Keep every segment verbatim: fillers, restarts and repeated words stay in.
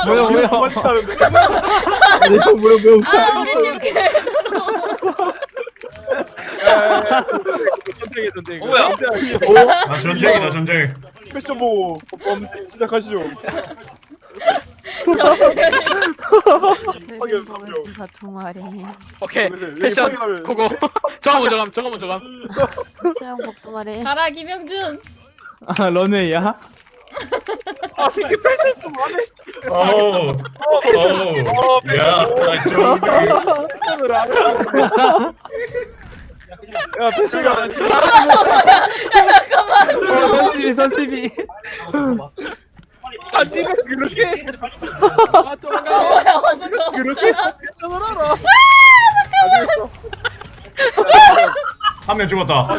뭐야 뭐야 그만치 하는데. 뭐야 뭐야 뭐야 아 우리님 개 전쟁이 전쟁. 어, 뭐야? 아 전쟁이다 전쟁. 패션 보고 범 시작하시죠. 저 확인, 버그지가 두 마리. 오케이 왜, 왜 패션 확인하면- 그거 저거 먼저 감 저거 먼저 감 수영복 두 마리. 가라 김영준. 아 런웨이야? 아 새끼 패션 좀 안해. 어우 어우 야 전쟁. 패션을 안 해. 야 패션을 안 해. 선십이 선십이 아 니가 그렇게 아 도망가 뭐야 아무도 그렇게 없잖아. 패션을 알아. 알겠어. 한 명 죽었다.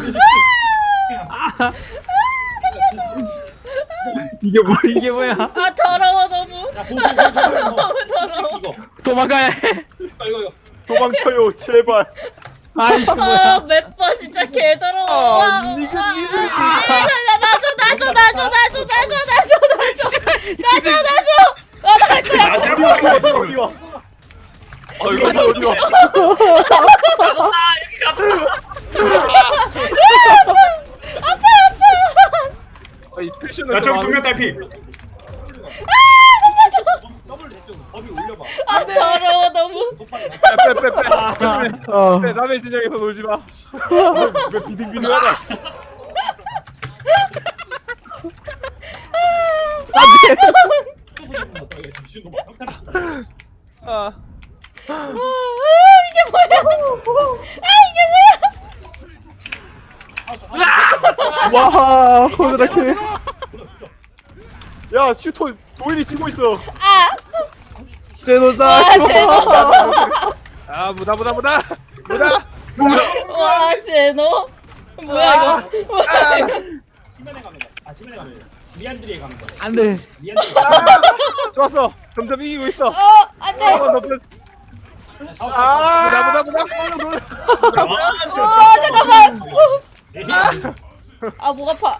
이게 뭐야 이게 뭐야 아 더러워 너무. 너무 더러워. 도망가야 해 도망쳐요 제발. 아 이게 뭐야 아 맵버 진짜 개 더러워. 아, 와, 니가 와. 니들. 나줘 나줘 나줘 나줘 나줘 나줘 나줘 나줘 나줘. 아 나갈 거야. 나 잘못 어디 와? 아 이거 어디 와? 아, 이 패션을 야 좀 저기 안- 두명 딸피. 아 더러워 너무. 빼빼빼빼 어. 빼 남의 진영에서 놀지 마. 왜 비등비등하냐? 씨. 아, 아 이게 뭐야? 아 이게 뭐야? 와 호드라케. 야 슈터 도일이 치고 있어. 아. 제노사. 아 제노. 아 무다 무다 무다 무다. 와 제노. 뭐야 이거? 안돼 좋았어. 점점 이기고 있어. 어 안돼. 한번 더 플- 아 무다 무다 무다. 어 잠깐만. 어. 아 목 아파.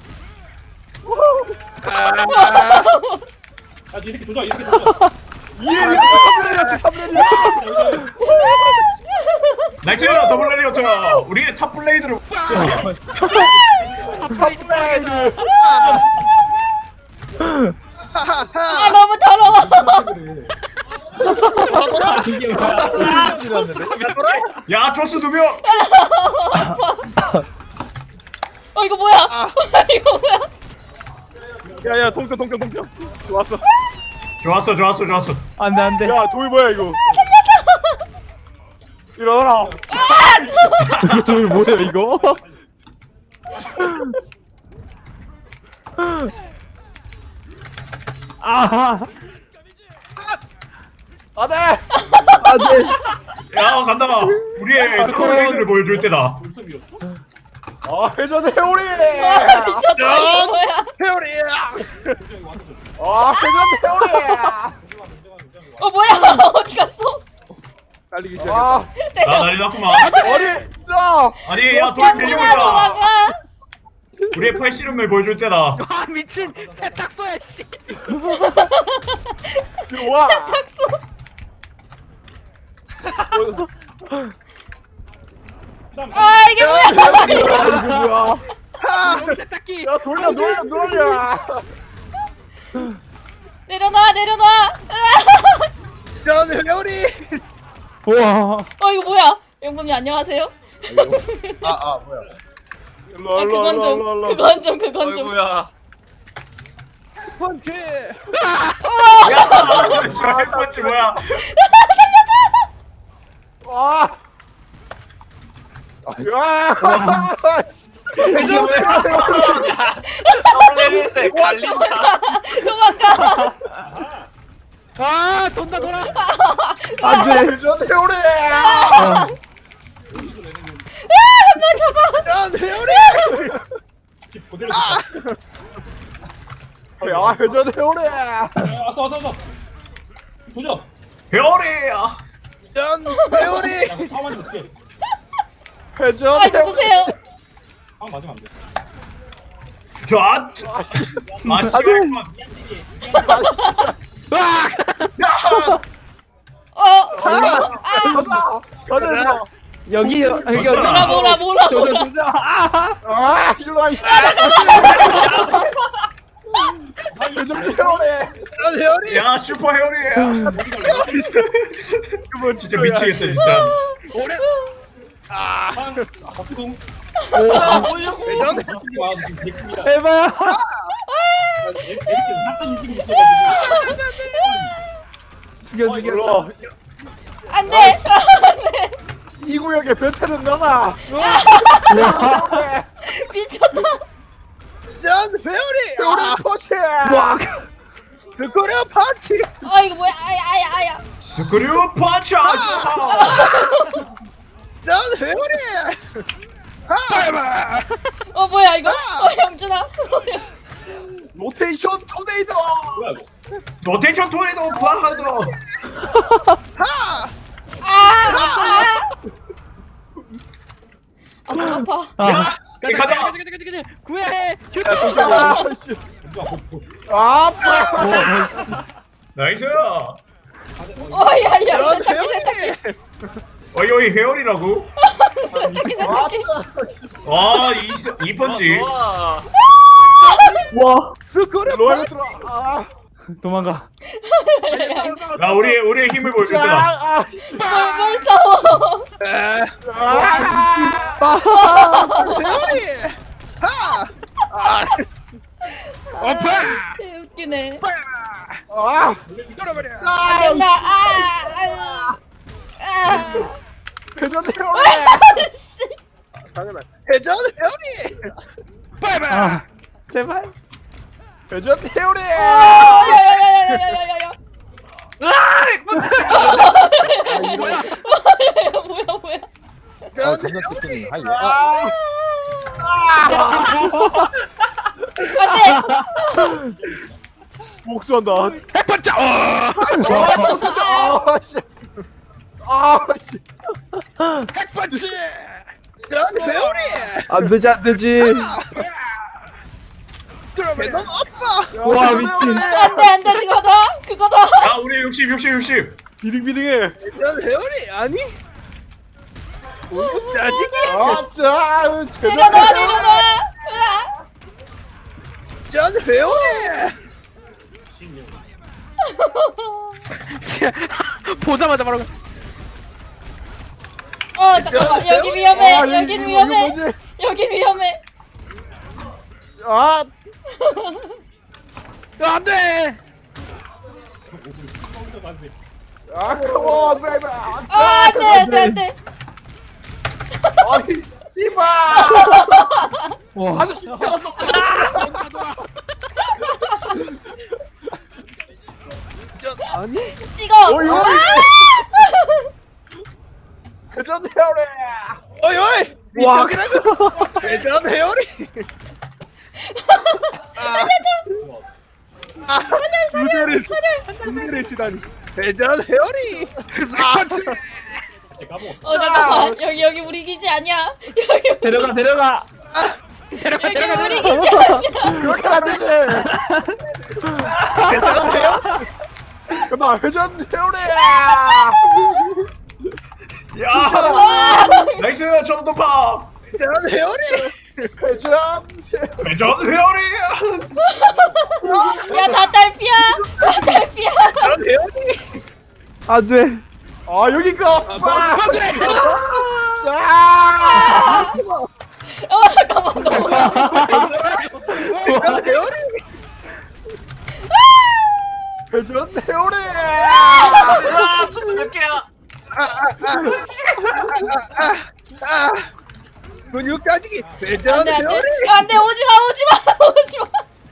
이해리 삼 렙이야 나이스 더블 레리어처. 우리 탑 블레이드로. 삼 렙. 아 너무 더러워. 이게 뭐야 야 조스 두 명. 어 이거 뭐야? 이거 뭐야? 야야 동평 동평 동평. 좋았어. 좋았어 좋았어 좋았어. 안돼 안돼 야 도일 뭐야 이거? 일어나라. 이거 저기 뭐야 이거 아 안돼. 안돼 야 간다. 우리의 탑 블레이드를 보여줄 때다. 아 회전 회오리. 아 미쳤다 이거 뭐야? 회오리. 아 회전 회오리. 어 뭐야? 어디 갔어? 달리기 시작했다. 아 나 내가 난리 났구만. 머리 진짜. 아니 야 돌 양준아 밀려오자. 도망가. 우리의 팔씨름을 보여줄 때다. 아 미친 세탁소야 씨 이리 와. 탁소. 아 이게 뭐야? 야 이거 뭐야? 세탁기 야 돌려 돌려 돌려. 내려놔 내려놔. 회전 회오리. 우와 어 이거 뭐야? 영범이 안녕하세요. 아아 뭐야? 일로 아 일로 그건 일로 좀 일로 일로. 그건 좀 그건 좀. 어이구야. 펀치. 야 헬펀치 뭐야? 와. 야. 회전 더블 때 갈린다. 도망가. 아 돈다 돌아 안돼. 회전 회오리. 한번 잡아. 회전 회오리. 야 회전 회오리. 별이야. 회전 회오리. 회전 아 누구세요? 야. 아씨. 아, 아들. 씨. 와 가자. 여기 여기 여기. 뭐라 뭐라 뭐라 조져 뭐라. 조져. 아. 아 일로 와. 회전 헤어래. 헤어리. 야 슈퍼 헤어리야. 그거 진짜 미치겠다 진짜. 오래. 에바야. 죽여 죽여. 일로. 안돼 안돼 이 구역에 변태는 너다. 미쳤다. 전 회오리. 회오리 터치. 와. 그거려 파치. 아 이거 뭐야 아야 아야 아야. 스크류 파츠. 전 회오리. 어 뭐야 이거? 어 영준아. 로테이션 토네이도. 로테이션 토네이도 파하도. 아 아파. 아파 아파. 아. 가자 가자 가자. 가자 가자 가자. 구해. 휴. 아씨. 아빠. 나이스. 어야야 세탁기 세탁기 어이 어이 헤어리라고? 세탁기 세탁기. 와이 이 펀치. 좋아. 와. 스크류 파치. 아. 도망가. 나 우리 우리의 힘을 보여줄 자. 거다. 아. 뭘, 뭘 싸워. 회오리. 하. 아. 아파. 개 웃기네. 아. 안 된다. 아, 아, 회전 회오리. 씨. 당연한. 회전 회오리. 아. 제발. 회전 회오리. 아, 야야야야야야야야. 아 이거. 뭐야 뭐야. 회전 회오리. 안돼. 복수한다. 백번째. 어. 아 씨. 아 씨. 백번째. 회전 회오리. 안 되지 안 되지. 회전 오빠. 와 미친. 안돼 안돼 그거다 그거다. 야 우리 육십 육십 육십. 비등비등해. 회전 회오리 아니? 짜증이. 아짜. 내려놔 내려놔. 으아. 회전 회오리. 보자마자 바로. 어 잠깐만 여기 아, 위험해 이거, 여긴 이거 위험해 뭐지? 여긴 위험해. 아. 안돼. 아 컴온 베이비. 아 안돼 안돼 안돼. 아니 씨발. 와. 아주 아니? 찍어. 어이, 어이. 아! 회전 헤어리. 어이 어이. 와. 회전 헤어리. 아. 살려 살려. 무대를 치다니. 회전 헤어리. 어 잠깐만 여기 여기 우리 기지 아니야. 여기 데려가 데려가. 데려가 여기 데려가 우리 데려가. 기지 아니야. 그렇게 안 되지. 회전 헤어. 그만 회전 헤어리야. 야 나이스 정도파. 회전 헤어리. 회전. 회전 헤어리. 야다 딸피야. 다 딸피야. 회전 헤어리. 안 돼. 아 여기가. 자. 어 잠깐만 너무. 회전 헤어리. 회전 헤어리. 아, 초스 몇 개야? 근육까지 회전 안돼 안돼 헤어리. 안돼 오지마 오지마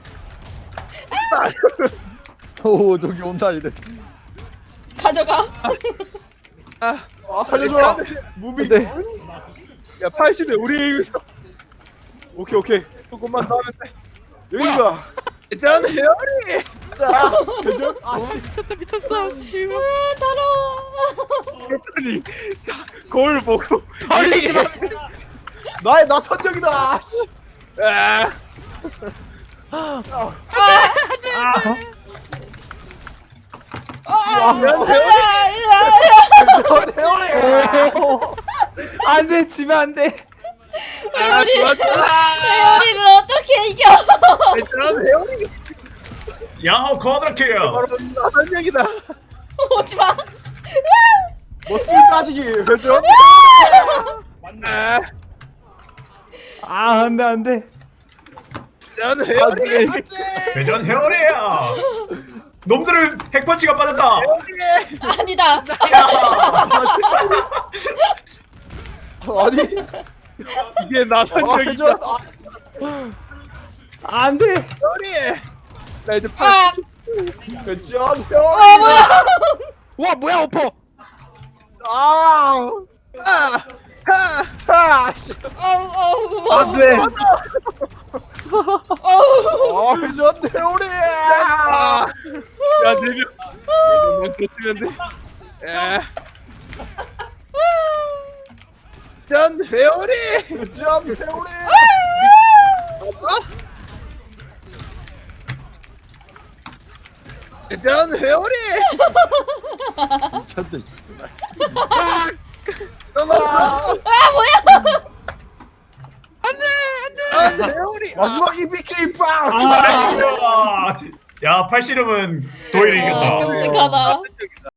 오지마. 오 저기 온다 이래. 가져가. 아 살려줘. 무비. 네. 야 팔십에 우리 있어. 오케이 오케이. 조금만 더 하면 돼. 여기가. 회전 헤어리. 자 회전. 아씨. 미쳤다 미쳤어. 아 더러워. 그랬더니 자 거울 보고 아니 나의 나 선정이다. 아씨. 아. 아. 회전 헤어리. 으아, 으아, 으아. 안돼 지면 안돼. 회오리 좋아, 좋아. 회오리를 어떻게 이겨? 대전 회오리. 야호 쿼드라킬. 바로 나선형이다. 오지마. 머슬 따지기 회전. 아, 아 안돼 안돼. 대전 회오리. 회전 회오리야. 놈들을 핵펀치가 빠졌다. 아니다. 아니 이게 나선형이다. 회전. 안돼. 회오리. 나 이제 아, 회전 아 회오리. 뭐야? 와 뭐야 오퍼. 아. 아, 하. 차. 씨. 어우 어우. 안돼. 어우. 아 회전 회오리. 아, 야 내려. 너 쫓으면 돼. 에. 전 회오리. 회전 회오리. 전 회오리. 미쳤네 씨. 너너 아 뭐야? 전 회오리. 마지막 이비케이 빵. 아이고야. 야 팔씨름은 도일이 이겼다. 끔찍하다.